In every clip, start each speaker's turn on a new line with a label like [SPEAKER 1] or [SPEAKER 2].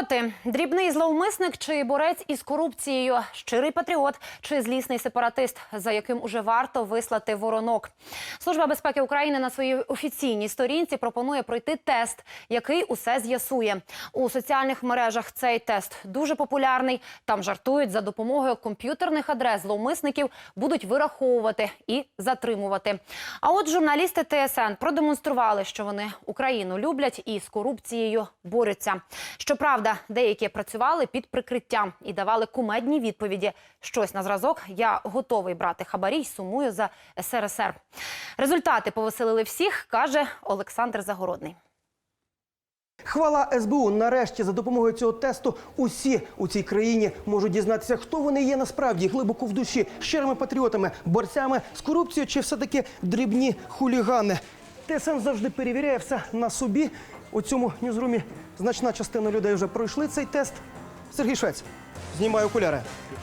[SPEAKER 1] патріоти. Дрібний зловмисник чи борець із корупцією? Щирий патріот чи злісний сепаратист, за яким уже варто вислати воронок? Служба безпеки України на своїй офіційній сторінці пропонує пройти тест, який усе з'ясує. У соціальних мережах цей тест дуже популярний. Там жартують, за допомогою комп'ютерних адрес зловмисників будуть вираховувати і затримувати. А от журналісти ТСН продемонстрували, що вони Україну люблять і з корупцією борються. Щоправда, деякі працювали під прикриттям і давали кумедні відповіді. Щось на зразок «Я готовий брати хабарі й сумую за СРСР». Результати повеселили всіх, каже Олександр Загородний.
[SPEAKER 2] Хвала СБУ. Нарешті за допомогою цього тесту усі у цій країні можуть дізнатися, хто вони є насправді, глибоко в душі, щирими патріотами, борцями з корупцією чи все-таки дрібні хулігани. ТСН завжди перевіряє все на собі. У цьому ньюзрумі значна частина людей вже пройшли цей тест. Сергій Швець, знімай окуляри.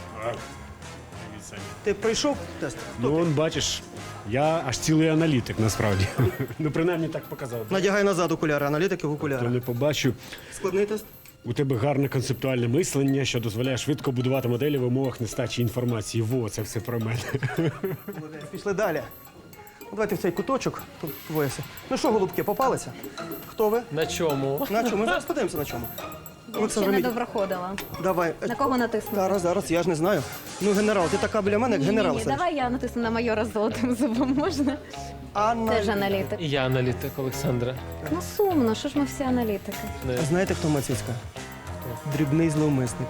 [SPEAKER 2] Ти пройшов тест?
[SPEAKER 3] Ну, он, бачиш, я аж цілий аналітик, насправді. Ну, принаймні так показав.
[SPEAKER 2] Надягай назад окуляри, аналітики в
[SPEAKER 3] То
[SPEAKER 2] окуляри.
[SPEAKER 3] не побачу.
[SPEAKER 2] Складний тест?
[SPEAKER 3] У тебе гарне концептуальне мислення, що дозволяє швидко будувати моделі в умовах нестачі інформації. Во, це все про мене.
[SPEAKER 2] Пішли далі. Давайте в цей куточок. Тут двоє всі. Ну що, голубки, попалися? Хто ви?
[SPEAKER 4] На чому?
[SPEAKER 2] На чому? Ми зараз подивимося на чому.
[SPEAKER 5] Ще не доброходила.
[SPEAKER 2] Давай.
[SPEAKER 5] На кого натиснути?
[SPEAKER 2] Зараз, я ж не знаю. Ну, генерал, ти така біля мене, як генерал.
[SPEAKER 5] Ні, давай я натисну на майора з золотим зубом, можна? Теж аналітик.
[SPEAKER 4] І я аналітик, Олександра.
[SPEAKER 5] Ну сумно, що ж ми всі аналітики?
[SPEAKER 2] А знаєте, хто Мацицька? Дрібний зловмисник.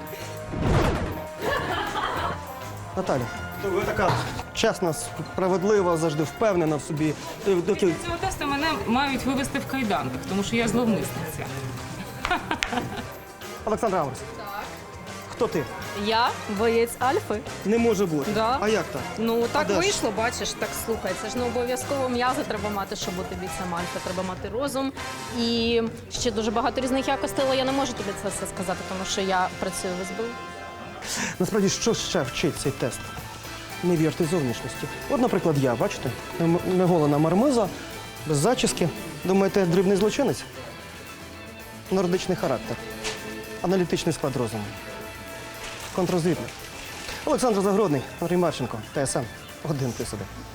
[SPEAKER 2] Наталя, ви така чесна, справедлива, завжди впевнена в собі.
[SPEAKER 6] Цього тесту мене мають вивести в кайданках, тому що я зловмисниця.
[SPEAKER 2] Олександр Амос. Так. Хто ти?
[SPEAKER 7] Я боєць Альфи.
[SPEAKER 2] Не може бути.
[SPEAKER 7] Да.
[SPEAKER 2] А як так?
[SPEAKER 7] Ну так
[SPEAKER 2] де ж?
[SPEAKER 7] вийшло, бачиш, так слухай. Це ж не обов'язково м'язи треба мати, щоб бути бійцем Альфи. Треба мати розум. І ще дуже багато різних якостей, але я не можу тобі це все сказати, тому що я працюю в СБУ.
[SPEAKER 2] Насправді, що ще вчить цей тест? Не вірте зовнішності. От, наприклад, я, бачите, неголена мармиза, без зачіски. Думаєте, дрібний злочинець? Нордичний характер, аналітичний склад розуму, контррозвідник. Олександр Загородний, Андрій Марченко, ТСН, 1+1.